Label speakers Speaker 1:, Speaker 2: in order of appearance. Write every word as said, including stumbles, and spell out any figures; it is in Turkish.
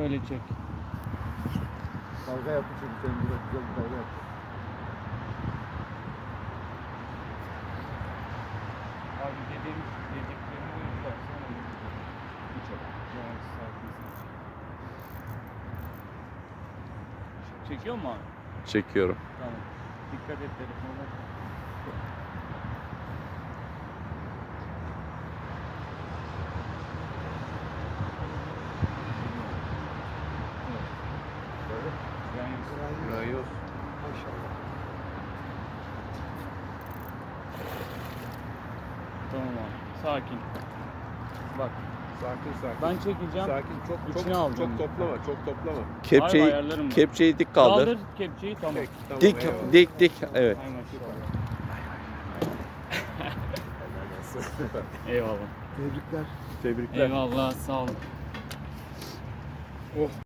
Speaker 1: Öyle çek.
Speaker 2: Dalga yaptı çünkü senin burada güzel bir dalga yaptı.
Speaker 1: Abi dediğim dediklerimi uygularsan olur. Yavaş, sakin, sakin. Çekiyor mu abi?
Speaker 3: Çekiyorum.
Speaker 1: Tamam. Dikkat et telefona.
Speaker 2: Böyle.
Speaker 1: Yani
Speaker 3: Rayos.
Speaker 2: Maşallah.
Speaker 1: tamam abi. Sakin. Bak
Speaker 2: Sakin sakin.
Speaker 1: ben çekeceğim.
Speaker 2: Sakin, çok
Speaker 1: İçine
Speaker 2: çok
Speaker 1: alacağım.
Speaker 2: çok toplama, çok toplama.
Speaker 3: Kepçeyi,
Speaker 1: ayarlarım ben.
Speaker 3: kepçeyi dik kaldır.
Speaker 1: Kaldır kepçeyi tamam.
Speaker 2: Tek, tamam,
Speaker 3: Dik,
Speaker 2: eyvallah.
Speaker 3: dik, dik. Evet.
Speaker 1: Hay maşallah.
Speaker 2: Helal olsun. Süper.
Speaker 1: Eyvallah.
Speaker 2: Tebrikler. Tebrikler.
Speaker 1: Eyvallah sağ olun.
Speaker 2: Oh.